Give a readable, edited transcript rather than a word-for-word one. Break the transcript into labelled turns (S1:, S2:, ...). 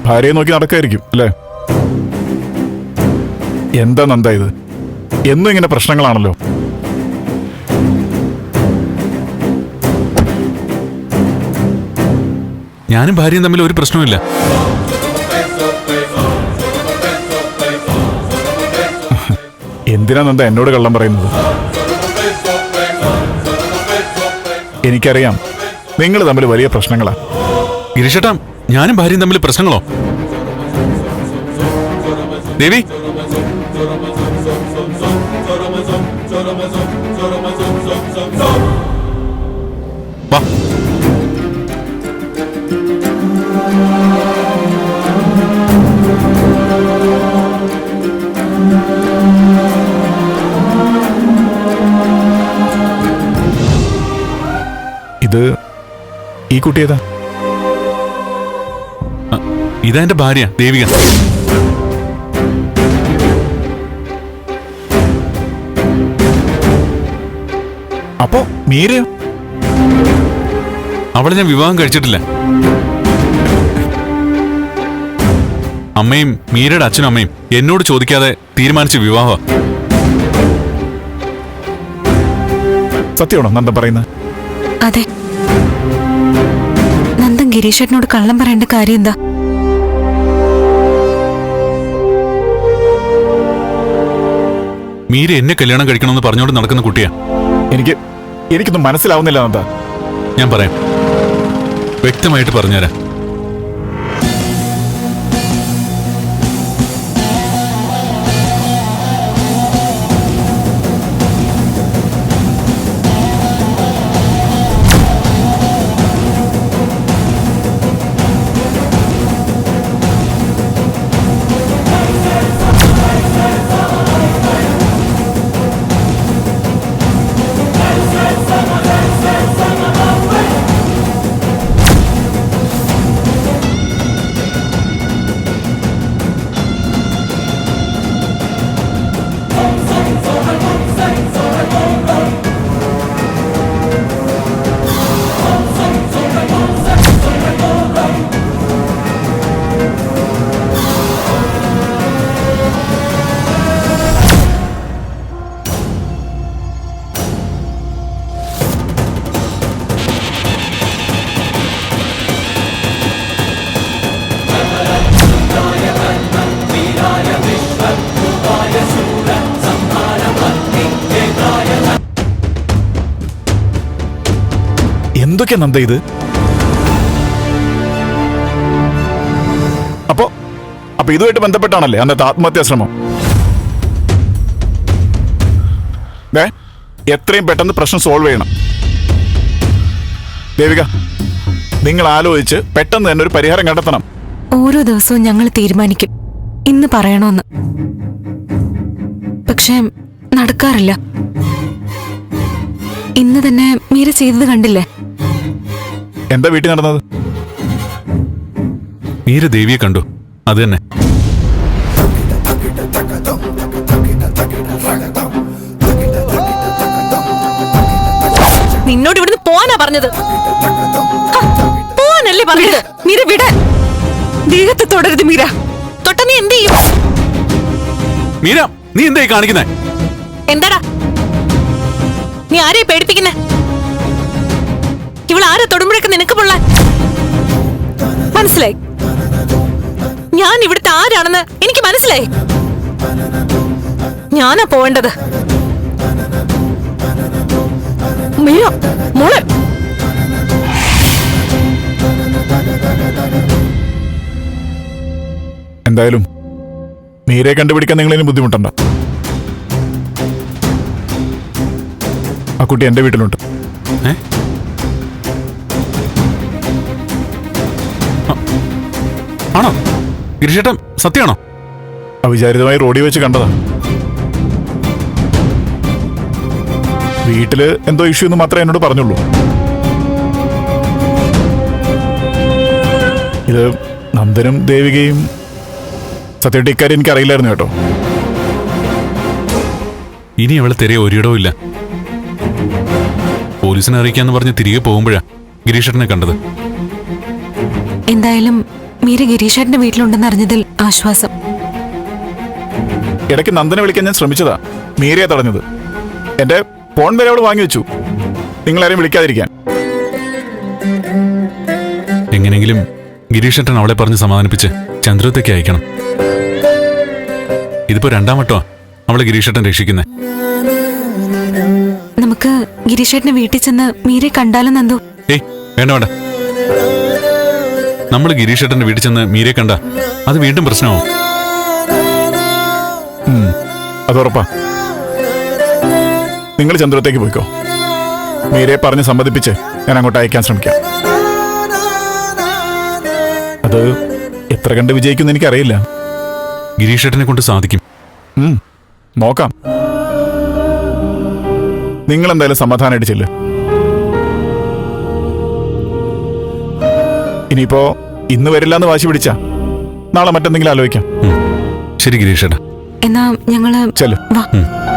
S1: ഭാര്യയെ നോക്കി നടക്കായിരിക്കും അല്ലേ? എന്താ നന്ദ ഇത്? എന്നും ഇങ്ങനെ പ്രശ്നങ്ങളാണല്ലോ.
S2: ഞാനും ഭാര്യയും തമ്മിൽ ഒരു പ്രശ്നവുമില്ല.
S1: എന്തിനാ നന്ദ എന്നോട് കള്ളം പറയുന്നത്? എനിക്കറിയാം നിങ്ങൾ തമ്മിൽ വലിയ പ്രശ്നങ്ങളാ.
S2: ഗിരീഷേട്ടാ, ഞാനും ഭാര്യയും തമ്മിൽ പ്രശ്നങ്ങളോ? ദേവി, വാ.
S1: ഇത് ഈ കുട്ടി ഏതാ?
S2: ഇതാ എന്റെ ഭാര്യ ദേവിക.
S1: അപ്പോ മീരയോ?
S2: അവളെ ഞാൻ വിവാഹം കഴിച്ചിട്ടില്ല. അമ്മയും മീരയുടെ അച്ഛനും അമ്മയും എന്നോട് ചോദിക്കാതെ തീരുമാനിച്ച വിവാഹ.
S1: സത്യമാണോ നന്ദൻ പറയുന്നത്?
S3: അതെ. നന്ദൻ ഗിരീഷേട്ടനോട് കള്ളം പറയേണ്ട കാര്യം എന്താ?
S2: മീര എന്നെ കല്യാണം കഴിക്കണമെന്ന് പറഞ്ഞോണ്ട് നടക്കുന്ന കുട്ടിയാ.
S1: എനിക്കൊന്നും മനസ്സിലാവുന്നില്ല നന്ദ.
S2: ഞാൻ പറയാം, വ്യക്തമായിട്ട് പറഞ്ഞുതരാം.
S1: എന്തൊക്കെയാ നന്ദ ഇത്? അപ്പൊ ഇതുമായിട്ട് ബന്ധപ്പെട്ടാണല്ലേ അന്നത്തെ ആത്മഹത്യാ ശ്രമം? എത്രയും പെട്ടെന്ന് പ്രശ്നം സോൾവ് ചെയ്യണം ദേവിക. നിങ്ങൾ ആലോചിച്ച് പെട്ടെന്ന് തന്നെ ഒരു പരിഹാരം കണ്ടെത്തണം.
S3: ഓരോ ദിവസവും ഞങ്ങൾ തീരുമാനിക്കും ഇന്ന് പറയണോന്ന്. പക്ഷെ നടക്കാറില്ല. ഇന്ന് തന്നെ മീര ചെയ്തത് കണ്ടില്ലേ?
S1: എന്താ വീട്ടിൽ നടന്നത്?
S2: മീര ദേവിയെ കണ്ടു, അത് തന്നെ.
S3: നിന്നോട് ഇവിടുന്ന് പോവാനാ പറഞ്ഞത്. പോവാനല്ലേ പറഞ്ഞത്? മീര വിടാൻ. ദേഹത്തെ തൊടരുത് മീര. തൊട്ട നീ എന്ത് ചെയ്യും?
S2: മീര, നീ എന്തായി കാണിക്കുന്നേ?
S3: എന്താടാ നീ ആരെയെ പേടിപ്പിക്കുന്നേ? ഇവളാരെ തൊടുമ്പോഴൊക്കെ നിനക്ക് പൊള്ളാൻ മനസ്സിലായി? ഞാൻ ഇവിടുത്തെ ആരാണെന്ന് എനിക്ക് മനസ്സിലായി. ഞാനാ പോവേണ്ടത്. മീര മോളെ,
S1: എന്തായാലും മീരയെ കണ്ടുപിടിക്കാൻ നിങ്ങൾ ഇനി ബുദ്ധിമുട്ടണ്ട. ആ കുട്ടി എന്റെ വീട്ടിലുണ്ട്.
S2: ആണോ ഗിരീഷേട്ടൻ? സത്യമാണോ?
S1: അവിചാരിതമായി റോഡിൽ വെച്ച് കണ്ടതാ. വീട്ടില് എന്തോ ഇഷ്യൂ എന്ന് മാത്രമേ എന്നോട് പറഞ്ഞുള്ളൂ. ഇത് നന്ദനും ദേവികയും സത്യമായിട്ട് ഇക്കാര്യം എനിക്ക് അറിയില്ലായിരുന്നു കേട്ടോ.
S2: ഇനി അവളെ തിരയെ ഒരിടവും ഇല്ല. പോലീസിനെ അറിയിക്കാന്ന് പറഞ്ഞ് തിരികെ പോകുമ്പോഴാ ഗിരീഷേട്ടനെ കണ്ടത്.
S3: എന്തായാലും മീര ഗിരീഷേട്ടന്റെ വീട്ടിലുണ്ടെന്ന് അറിഞ്ഞതിൽ ആശ്വാസം.
S1: ഇടയ്ക്ക് നന്ദനെ വിളിക്കാൻ ഞാൻ ശ്രമിച്ചതാ, മീരയെ തടഞ്ഞത്. എന്റെ ഫോൺ വരെ അവൾ വാങ്ങി വെച്ചു, നിങ്ങളാരെയും വിളിക്കാതിരിക്കാൻ.
S2: എങ്ങനെങ്കിലും ഗിരീഷേട്ടൻ അവളെ പറഞ്ഞ് സമാധാനിപ്പിച്ച് ചന്ദ്രത്തേക്ക് അയക്കണം. ഇതിപ്പോ 2ാം വട്ടമാ അവളെ ഗിരീഷേട്ടൻ രക്ഷിക്കുന്നേ.
S3: നമുക്ക് ഗിരീഷേട്ടന്റെ വീട്ടിൽ ചെന്ന് മീരെ കണ്ടാലും നന്ദു?
S2: ഏയ് വേണ്ട വേണ്ട. നമ്മൾ ഗിരീഷേട്ടന്റെ വീട്ടിൽ ചെന്ന് മീരെ കണ്ട അത് വീണ്ടും പ്രശ്നമാവും.
S1: അതുറപ്പാ. നിങ്ങൾ ചന്ദ്രത്തേക്ക് പോയിക്കോ, മീരയെ പറഞ്ഞ് സമ്മതിപ്പിച്ച് ഞാൻ അങ്ങോട്ട് അയക്കാൻ ശ്രമിക്കാം. അത് എത്ര കണ്ട് വിജയിക്കുമെന്ന് എനിക്കറിയില്ല.
S2: ഗിരീഷേട്ടനെ കൊണ്ട് സാധിക്കും.
S1: നോക്കാം. നിങ്ങൾ എന്തായാലും സമാധാനമായിട്ട് ചെല്ല്. ഇനിയിപ്പോ ഇന്ന് വരില്ല എന്ന് വാശി പിടിച്ചാ നാളെ മറ്റെന്തെങ്കിലും ആലോചിക്കാം.
S2: ശരി ഗിരീഷേട്ടാ.
S3: എന്നാ ഞങ്ങള്
S1: ചെല്ല്.
S3: വാ.